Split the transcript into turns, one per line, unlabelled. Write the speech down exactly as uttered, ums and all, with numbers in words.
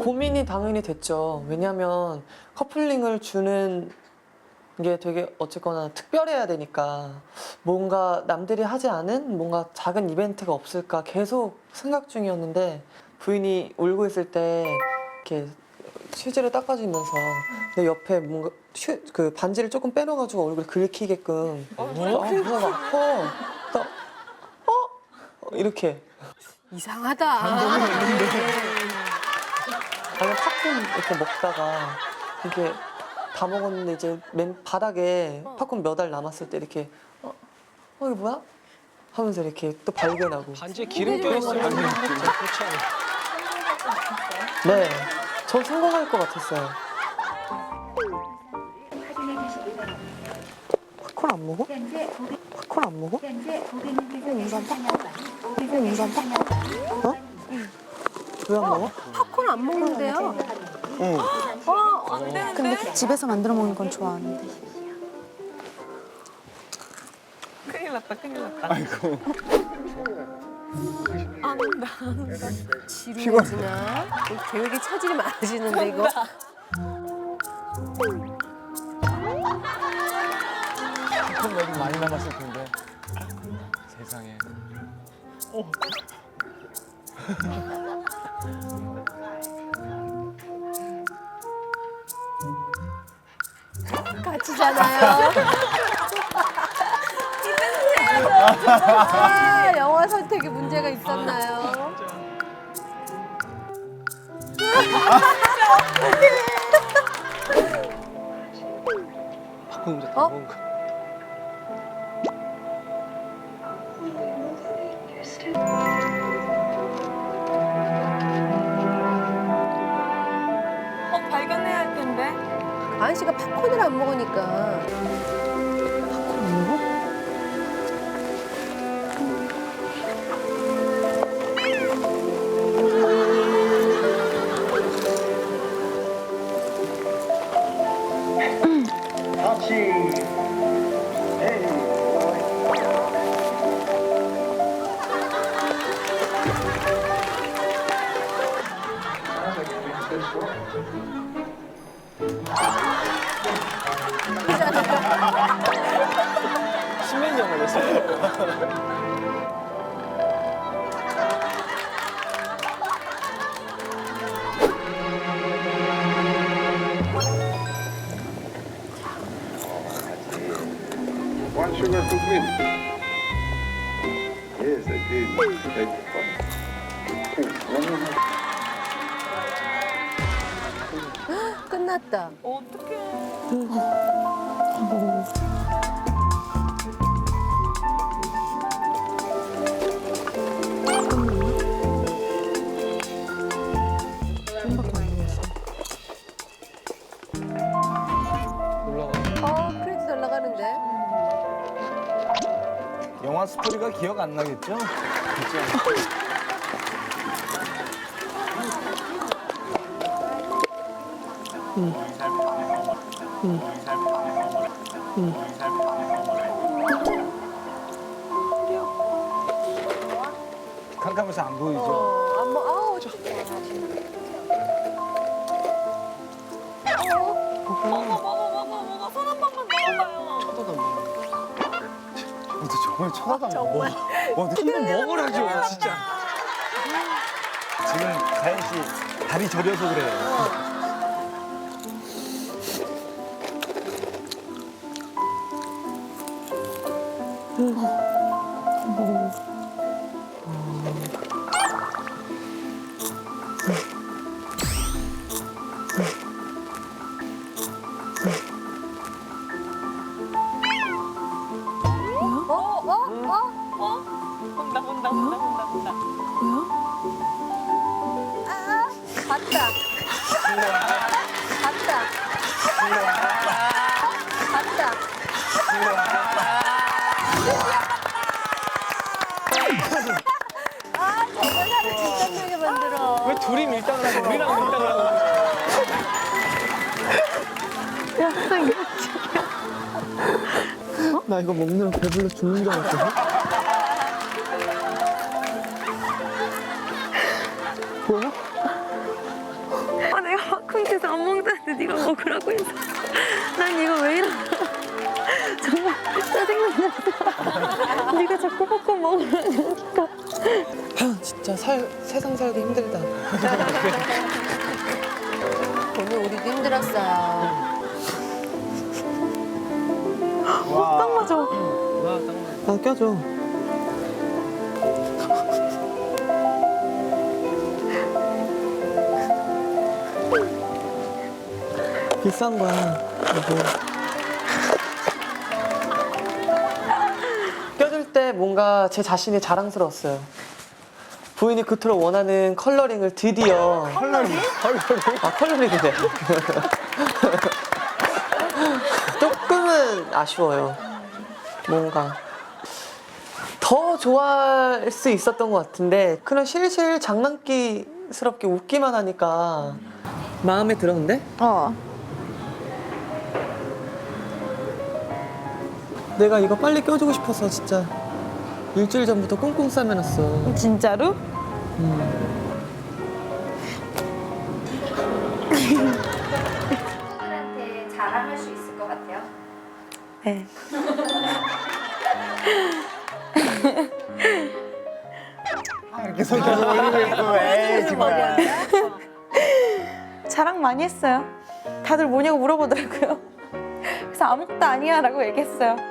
고민이 당연히 됐죠. 왜냐면 커플링을 주는 게 되게 어쨌거나 특별해야 되니까 뭔가 남들이 하지 않은 뭔가 작은 이벤트가 없을까 계속 생각 중이었는데 부인이 울고 있을 때 이렇게 휴지를 닦아주면서 내 옆에 뭔가 휴, 그 반지를 조금 빼놔가지고 얼굴 긁히게끔 어? 그래서 막 어? 나, 어? 이렇게
이상하다.
아니면 팝콘 이렇게 먹다가 이렇게 다 먹었는데 이제 맨 바닥에 팝콘 몇 알 남았을 때 이렇게 어, 어 이거 뭐야? 하면서 이렇게 또 발견하고.
반지에 기름 껴있어요. 아니, 그렇지 않아요.
네, 전 성공할 것 같았어요. 팝콘 안 먹어? 팝콘 안 먹어? 어? 왜 안 먹어?
팝콘 안 먹는데요?
응.
어, 안 되는데?
근데 집에서 만들어 먹는 건 좋아하는데.
큰일 났다, 큰일 났다.
아이고.
안 온다, 안 온다. 지루해지나? 계획에 차질이 많아지는데, 이거?
팝콘 여기 많이 남았을 텐데. 세상에.
같이잖아요. 아, 영화 선택에 문제가 있었나요?
팝콘 혼자
어?
다 먹은 거.
어, 발견해야 할 텐데.
아은 씨가 팝콘을 안 먹으니까.
팝콘 안 먹어?
십몇 년 걸렸어요.
One sugar for me. Yes, I did.
끝났다.
어떡해.
올라가.
어, 크레딧 올라가는데.
영화 스토리가 기억 안 나겠죠? 그렇죠. 캄캄해서 안 보이죠?
어, 안 먹, 아우, 저.
먹어, 먹어, 먹어, 먹어. 손 한 번만 넣어봐요.
근데 정말 쳐다도 안
정말.
먹어. 와, 근데
한번 먹으라죠, 진짜.
지금 가연 씨 다리 저려서 그래요.
어, 어, 어?
어? 온다, 온다, 온다, 온다, 온다.
아, 갔다. 갔다. 갔다. 아, 정말 나를 긴장되게 만들어.
왜 둘이 밀당을 하고 우리랑 밀당을 하고.
나 이거 먹느라 배불러 죽는 줄 알았거든? 뭐야?
쿵쿵대서 안 먹는다는데 네가 먹으라고 해서 난 이거 왜 이러나 정말 짜증난다. 네가 자꾸 popcorn 먹으라니까.
아, 진짜 살, 세상 살기 힘들다.
오늘 우리도 힘들었어요.
딱 맞아.
나 껴줘. 비싼 거야, 이거. 껴줄 때 뭔가 제 자신이 자랑스러웠어요. 부인이 그토록 원하는 컬러링을 드디어. 컬러링? 아, 컬러링이네. 조금은 아쉬워요. 뭔가. 더 좋아할 수 있었던 것 같은데, 그냥 실실 장난기스럽게 웃기만 하니까 마음에 들었는데?
어.
내가 이거 빨리 껴주고 싶어서 진짜 일주일 전부터 꽁꽁 싸매놨어.
진짜로?
친구들한테 자랑할 수 있을 것 같아요.
네.
이렇게 손 계속 올리고 있고, 에이, 정말.
자랑 많이 했어요. 다들 뭐냐고 물어보더라고요. 그래서 아무것도 아니야 라고 얘기했어요.